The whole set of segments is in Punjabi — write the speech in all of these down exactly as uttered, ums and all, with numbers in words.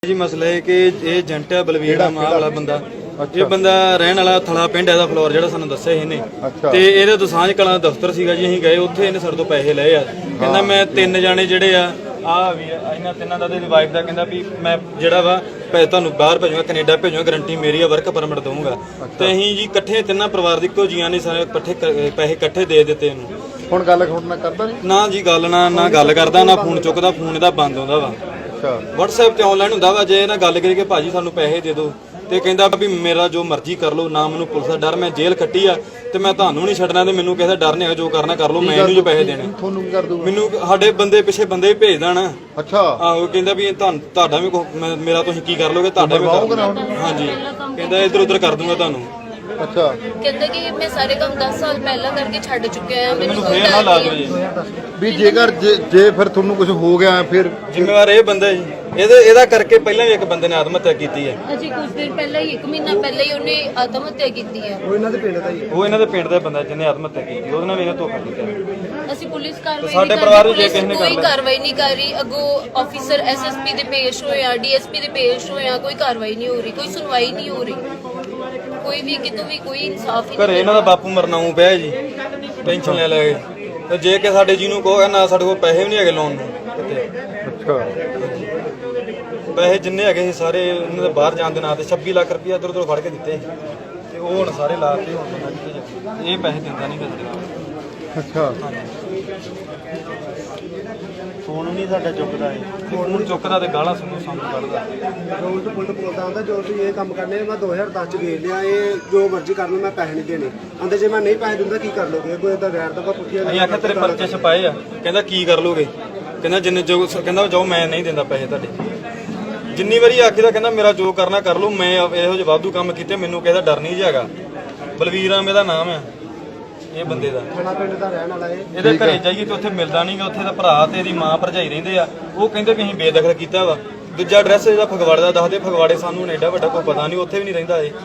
जी मसला है कि ये एजेंट है बलवीर नाम वाला बंदा ये बंदा रहने वाला थला पिंड है फ्लोर ਜਿਹੜਾ ਸਾਨੂੰ ਦੱਸਿਆ ਇਹਨੇ ਤੇ ਇਹਦੇ ਦਸਾਂਝ ਕਲਾਂ ਦਫ਼ਤਰ ਸੀਗਾ ਜੀ ਅਸੀਂ ਗਏ ਉੱਥੇ ਇਹਨੇ ਸਾਡੇ ਤੋਂ ਪੈਸੇ ਲਏ ਆ ਕਹਿੰਦਾ ਮੈਂ ਤਿੰਨ ਜਾਣੇ ਜਿਹੜੇ ਆ ਆ ਵੀ ਇਹਨਾਂ ਤਿੰਨਾਂ ਦਾ ਤੇ ਵਾਈਫ ਦਾ ਕਹਿੰਦਾ ਵੀ ਮੈਂ ਜਿਹੜਾ ਵਾ ਪੈਸੇ ਤੁਹਾਨੂੰ ਬਾਹਰ ਭੇਜੂਗਾ ਕੈਨੇਡਾ ਭੇਜੂਗਾ ਗਾਰੰਟੀ ਮੇਰੀ ਆ ਵਰਕ ਪਰਮਿਟ ਦਊਂਗਾ ਤੇ ਅਸੀਂ ਜੀ ਇਕੱਠੇ ਤਿੰਨਾਂ ਪਰਿਵਾਰ ਦੇ ਇੱਕੋ ਜੀਆਂ ਨੇ ਸਾਰੇ ਇਕੱਠੇ ਪੈਸੇ ਇਕੱਠੇ ਦੇ ਦਿੱਤੇ ਇਹਨੂੰ ਹੁਣ ਗੱਲ ਖੋੜਨਾ ਕਰਦਾ ਨਹੀਂ ਨਾ ਜੀ ਗੱਲ ਨਾ ਨਾ ਗੱਲ ਕਰਦਾ ਨਾ ਫੋਨ ਚੁੱਕਦਾ ਫੋਨ ਇਹਦਾ ਬੰਦ ਆਉਂਦਾ ਵਾ WhatsApp ਤੇ ਆਨਲਾਈਨ ਹੁੰਦਾ ਵਾ ਜੇ ਇਹਨਾਂ ਗੱਲ ਕਰੀ ਕਿ ਭਾਜੀ ਸਾਨੂੰ ਪੈਸੇ ਦੇ ਦਿਓ ਤੇ ਕਹਿੰਦਾ ਵੀ ਮੇਰਾ ਜੋ ਮਰਜ਼ੀ ਕਰ ਲਓ ਨਾ ਮੈਨੂੰ ਪੁਲਿਸ ਦਾ ਡਰ ਮੈਂ ਜੇਲ੍ਹ ਕੱਟੀ ਆ ਤੇ ਮੈਂ ਤੁਹਾਨੂੰ ਨਹੀਂ ਛੱਡਣਾ ਤੇ ਮੈਨੂੰ ਕਿਸੇ ਦਾ ਡਰ ਨਹੀਂ ਹੈ ਜੋ ਕਰਨਾ ਕਰ ਲਓ ਮੈਂ ਇਹਨੂੰ ਜੋ ਪੈਸੇ ਦੇਣੇ ਤੁਹਾਨੂੰ ਕੀ ਕਰ ਦੂੰਗਾ ਮੈਨੂੰ ਸਾਡੇ ਬੰਦੇ ਪਿੱਛੇ ਬੰਦੇ ਭੇਜ ਦੇਣਾ ਅੱਛਾ ਆਹੋ ਕਹਿੰਦਾ ਵੀ ਤੁਹਾਨੂੰ ਤੁਹਾਡਾ ਵੀ ਮੇਰਾ ਤੁਸੀਂ ਕੀ ਕਰ ਲੋਗੇ ਤੁਹਾਡਾ ਵੀ ਹਾਂਜੀ ਕਹਿੰਦਾ ਇੱਧਰ ਉੱਧਰ ਕਰ ਦੂੰਗਾ ਤੁਹਾਨੂੰ ਅੱਛਾ ਕਹਿੰਦਾ ਕਿ ਮੈਂ ਸਾਰੇ ਕੰਮ ਦਸ ਸਾਲ ਪਹਿਲਾਂ ਕਰਕੇ ਛੱਡ ਚੁੱਕਿਆ ਆ ਮੈਨੂੰ ਫੇਰ ਨਾ ਲਾ ਦਿਓ ਜੀ ਵੀ ਜੇਕਰ ਜੇ ਫਿਰ ਤੁਹਾਨੂੰ ਕੁਝ ਹੋ ਗਿਆ ਫਿਰ ਜ਼ਿੰਮੇਵਾਰ ਇਹ ਬੰਦਾ ਜੀ ਇਹਦੇ ਇਹਦਾ ਕਰਕੇ ਪਹਿਲਾਂ ਵੀ ਇੱਕ ਬੰਦੇ ਨੇ ਆਤਮ ਹੱਤਿਆ ਕੀਤੀ ਹੈ ਅਜੇ ਕੁਝ ਦਿਨ ਪਹਿਲਾਂ ਹੀ ਇੱਕ ਮਹੀਨਾ ਪਹਿਲਾਂ ਹੀ ਉਹਨੇ ਆਤਮ ਹੱਤਿਆ ਕੀਤੀ ਹੈ ਉਹ ਇਹਨਾਂ ਦੇ ਪਿੰਡ ਦਾ ਹੀ ਉਹ ਇਹਨਾਂ ਦੇ ਪਿੰਡ ਦਾ ਬੰਦਾ ਜਿਹਨੇ ਆਤਮ ਹੱਤਿਆ ਕੀਤੀ ਉਹਦੇ ਨਾਲ ਵੀ ਇਹਨੇ ਧੋਖਾ ਕੀਤਾ ਅਸੀਂ ਪੁਲਿਸ ਕਾਰਵਾਈ ਸਾਡੇ ਪਰਿਵਾਰ ਨੂੰ ਜੇ ਕਿਸੇ ਨੇ ਕੋਈ ਕਾਰਵਾਈ ਨਹੀਂ ਕਰ ਰਹੀ ਅੱਗੋਂ ਆਫੀਸਰ ਐਸਐਸਪੀ ਦੇ ਪੇਸ਼ ਹੋਏ ਆ ਡੀਐਸਪੀ ਦੇ ਪੇਸ਼ ਹੋਏ ਆ ਕੋਈ ਕਾਰਵਾਈ ਨਹੀਂ ਹੋ ਰਹੀ ਕੋਈ ਸੁਣਵਾਈ ਨਹੀਂ ਹੋ ਰਹੀ ਕੋਈ ਵੀ ਕਿਤੋਂ ਵੀ ਕੋਈ ਇਨਸਾਫ ਹੀ ਘਰੇ ਇਹਨਾਂ ਦਾ ਬਾਪੂ ਮਰਨਾਉ ਪਿਆ ਜੀ ਟੈਨਸ਼ਨ ਲੈ ਲੈ ਤੇ ਜੇ ਕਿ ਸਾਡੇ ਜੀ ਨੂੰ ਕਹੋ ਨਾ ਸਾਡੇ ਕੋਲ ਪੈਸੇ ਵੀ ਨਹੀਂ ਹੈਗੇ ਲੋਨ ਨੂੰ ਕਿਤੇ ਅੱਛਾ ਪੈਸੇ ਜਿੰਨੇ ਹੈਗੇ ਸੀ ਸਾਰੇ ਉਹਨਾਂ ਦੇ ਬਾਹਰ ਜਾਣ ਦੇ ਨਾਂ ਤੇ ਛੱਬੀ ਲੱਖ ਰੁਪਇਆ ਇੱਧਰ ਉੱਧਰ ਫੜ ਕੇ ਦਿੱਤੇ ਤੇ ਉਹ ਹੁਣ ਸਾਰੇ ਲਾਤੇ ਹੁਣ ਇਹ ਪੈਸੇ ਦਿੰਦਾ ਨਹੀਂ ਫਿਰ ਅੱਛਾ ਫੋਨ ਨਹੀਂ ਸਾਡਾ ਚੁੱਕਦਾ ਹੈ ਫੋਨ ਚੁੱਕਦਾ ਤੇ ਗਾਲਾਂ ਸਾਨੂੰ ਸਾਨੂੰ ਕੱਢਦਾ ਰੋਲ ਤੋਂ ਪੁਲਟ ਬੋਲਦਾ ਹੁੰਦਾ ਜੋ ਤੁਸੀਂ ਇਹ ਕੰਮ ਕਰਨੇ ਮੈਂ ਦੋ ਹਜ਼ਾਰ ਦਸ ਚ ਵੇਚ ਲਿਆ ਇਹ ਜੋ ਮਰਜ਼ੀ ਕਰ ਲਓ ਮੈਂ ਪੈਸੇ ਨਹੀਂ ਦੇਣੇ ਆਂਦੇ ਜੇ ਮੈਂ ਨਹੀਂ ਪੈਸੇ ਦਿੰਦਾ ਕੀ ਕਰ ਲੋਗੇ ਕੋਈ ਤਾਂ ਗੈਰ ਦਾ ਪੁੱਠੀਆਂ ਅਸੀਂ ਆਖਿਆ ਤੇਰੇ ਪਰਚੇ ਛਪਾਏ ਆ ਕਹਿੰਦਾ ਕੀ ਕਰ ਲੋਗੇ ਕਹਿੰਦਾ ਜਿੰਨੇ ਜੋ ਕਹਿੰਦਾ ਜਾਓ ਮੈਂ ਨਹੀਂ ਦਿੰਦਾ ਪੈਸੇ ਤੁਹਾਡੇ ਜਿੰਨੀ ਵਾਰੀ ਆਖੀਦਾ ਕਹਿੰਦਾ ਮੇਰਾ ਜੋ ਕਰਨਾ ਕਰ ਲਓ ਮੈਂ ਇਹੋ ਜਿਹੇ ਵਾਧੂ ਕੰਮ ਕੀਤੇ ਮੈਨੂੰ ਕਿਸੇ ਦਾ ਡਰ ਨਹੀਂ ਹੈਗਾ ਬਲਵੀਰ ਆ ਮੇਰਾ ਨਾਮ ਆ ਇਹ ਬੰਦੇ ਦਾ ਥਣਾ ਪਿੰਡ ਦਾ ਰਹਿਣ ਵਾਲਾ ਇਹ ਇਹਦੇ ਘਰੇ ਜਾਈਏ ਤੇ ਉੱਥੇ ਮਿਲਦਾ ਨਹੀਂਗਾ ਉੱਥੇ ਦਾ ਭਰਾ ਤੇ ਇਹਦੀ ਮਾਂ ਭਰਜਾਈ ਰਹਿੰਦੇ ਆ ਉਹ ਕਹਿੰਦੇ ਵੀ ਅਸੀਂ ਬੇਦਖਲ ਕੀਤਾ ਵਾ ਦੂਜਾ ਐਡਰੈਸ ਇਹਦਾ ਫਗਵਾੜੇ ਦਾ ਦੱਸਦੇ ਫਗਵਾੜੇ ਸਾਨੂੰ ਐਡਾ ਵੱਡਾ ਕੋਈ ਪਤਾ ਨਹੀਂ ਉੱਥੇ ਵੀ ਨਹੀਂ ਰਹਿੰਦਾ ਇਹ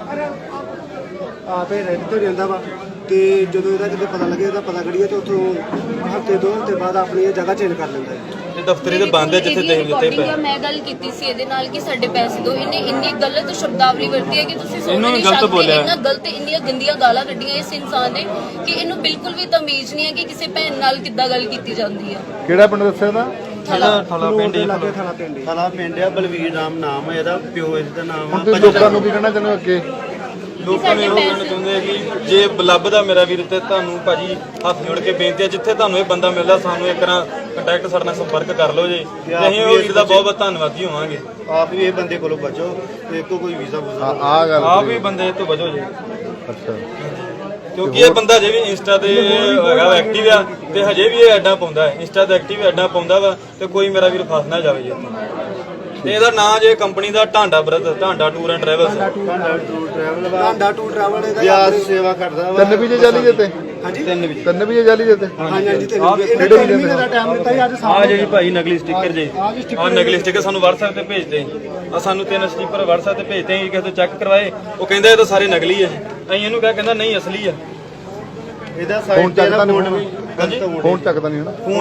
ਆਪੇ ਰਹਿੰਦੇ ਤੋਂ ਰਹਿੰਦਾ ਵਾ ਤੇ ਜਦੋਂ ਇਹਦਾ ਕਿਤੇ ਪਤਾ ਲੱਗੇ ਇਹਦਾ ਪਤਾ ਕਰੀਏ ਤੇ ਉੱਥੋਂ ਹਫ਼ਤੇ ਦੋ ਹਫ਼ਤੇ ਬਾਅਦ ਆਪਣੀ ਇਹ ਜਗ੍ਹਾ ਚੇਂਜ ਕਰ ਲੈਂਦਾ ਹੈ ਇਹ ਦਫ਼ਤਰੀ ਦੇ ਬੰਦ ਹੈ ਜਿੱਥੇ ਦੇਖ ਦਿੱਤੇ ਪਏ ਮੈਂ ਗੱਲ ਕੀਤੀ ਸੀ ਇਹਦੇ ਨਾਲ ਕਿ ਸਾਡੇ ਪੈਸੇ ਦਿਓ ਇਹਨੇ ਇੰਨੀ ਗਲਤ ਸ਼ਬਦਾਵਲੀ ਵਰਤੀ ਹੈ ਕਿ ਤੁਸੀਂ ਸੋਚ ਇਹਨੂੰ ਵੀ ਨਹੀਂ ਗਲਤ ਸਕਦੇ ਬੋਲਿਆ। ਇੰਨਾ ਗਲਤ ਇੰਨੀਆਂ ਗੰਦੀਆਂ ਗਾਲਾਂ ਕੱਢੀਆਂ ਇਸ ਇਨਸਾਨ ਨੇ ਕਿ ਇਹਨੂੰ ਬਿਲਕੁਲ ਵੀ ਤਮੀਜ਼ ਨਹੀਂ ਹੈ ਕਿ ਕਿਸੇ ਭੈਣ ਨਾਲ ਕਿੱਦਾਂ ਗੱਲ ਕੀਤੀ ਜਾਂਦੀ ਹੈ ਕਿਹੜਾ ਪਿੰਡ ਦੱਸਿਆ ਦਾ ਥਲਾ ਥਲਾ ਪਿੰਡ ਹੀ ਲਾਗੇ ਥਣਾ ਪਿੰਡ ਥਲਾ ਪਿੰਡ ਆ ਬਲਵੀਰ ਰਾਮ ਨਾਮ ਹੈ ਇਹਦਾ ਪਿਓ ਇਹਦਾ ਨਾਮ ਆ ਹੁਣ ਲੋਕਾਂ ਨੂੰ ਕੀ ਕਹਿਣਾ ਚਾਹੁੰਦੇ ਅੱਗੇ ਲੋਕਾਂ ਨੇ ਉਹ ਕਹਿਣਾ ਚਾਹੁੰਦੇ ਆ ਕਿ ਜੇ ਲੱਭਦਾ ਮੇਰਾ ਵੀਰ ਤੇ ਤੁਹਾਨੂੰ ਭਾਜੀ ਹੱਥ ਜੋੜ ਕੇ ਬੇਨਤੀ ਹੈ ਜਿੱਥੇ ਤੁਹਾਨੂੰ ਇਹ ਬੰਦਾ ਮਿਲਦਾ ਸਾਨੂੰ ਇੱਕ ਨਾ ਕੰਟੈਕਟ ਸਾਡੇ ਨਾਲ ਸੰਪਰਕ ਕਰ ਲਓ ਜੀ ਅਸੀਂ ਉਹ ਵੀਰ ਦਾ ਬਹੁਤ ਬਹੁਤ ਧੰਨਵਾਦੀ ਹੋਵਾਂਗੇ ਆਪ ਵੀ ਇਹ ਬੰਦੇ ਕੋਲੋਂ ਬਚੋ ਤੇ ਇੱਕੋ ਕੋਈ ਵੀਜ਼ਾ ਵੂਜ਼ਾ ਆ ਗੱਲ ਆਪ ਵੀ ਬੰਦੇ ਤੋਂ ਬਚੋ ਜੀ ਅੱਛਾ ਕਿਉਂਕਿ ਇਹ ਬੰਦਾ ਜੇ ਵੀ ਇੰਸਟਾ ਤੇ ਹੈਗਾ ਐਕਟਿਵ ਆ ਤੇ ਹਜੇ ਵੀ ਇਹ ਐਡਾਂ ਪਾਉਂਦਾ ਹੈ ਇੰਸਟਾ ਤੇ ਐਕਟਿਵ ਐਡਾਂ ਪਾਉਂਦਾ ਵਾ ਤੇ ਕੋਈ ਮੇਰਾ ਵੀਰ ਫਸ ਨਾ ਜਾਵੇ ਜੀ ਇੱਥੇ ਤੇ ਇਹਦਾ ਨਾਂ ਜੇ ਕੰਪਨੀ ਦਾ Dhanda brother Dhanda tour and travels tour travel Tanda to travel ਇਹਦਾ ਵਿਆਜ ਸੇਵਾ ਕਰਦਾ ਵਾ ਤਿੰਨ ਵੀਜ਼ੇ ਜਾਲੀ ਦਿੱਤੇ ਹਾਂਜੀ ਤਿੰਨ ਵੀ ਤਿੰਨ ਵੀਜ਼ੇ ਜਾਲੀ ਦਿੱਤੇ ਹਾਂਜੀ ਹਾਂਜੀ ਤੇ ਇਹਨੇ ਤਿੰਨ ਮਹੀਨੇ ਦਾ ਟਾਈਮ ਦਿੱਤਾ ਸੀ ਅੱਜ ਆ ਸਾਹਮਣੇ ਜੀ ਭਾਈ ਨਕਲੀ ਸਟicker ਜੀ ਆ ਨਕਲੀ ਸਟicker ਸਾਨੂੰ WhatsApp ਤੇ ਭੇਜਦੇ ਆ ਸਾਨੂੰ ਤਿੰਨ ਸਟicker WhatsApp ਤੇ ਭੇਜਦੇ ਆ ਕਿਸੇ ਤੋਂ ਚੈੱਕ ਕਰਵਾਏ ਉਹ ਕਹਿੰਦਾ ਇਹ ਤਾਂ ਸਾਰੇ ਨਕਲੀ ਆ ਅਸੀਂ ਇਹਨੂੰ ਕਿਹਾ ਕਹਿੰਦਾ ਨਹੀਂ ਅਸਲੀ ਆ ਇਹਦਾ ਸਾਈਡ ਤੇ ਇਹਦਾ ਫੋਨ ਵੀ ਫੋਨ ਚੱਕਦਾ ਨਹੀਂ ਹਨਾ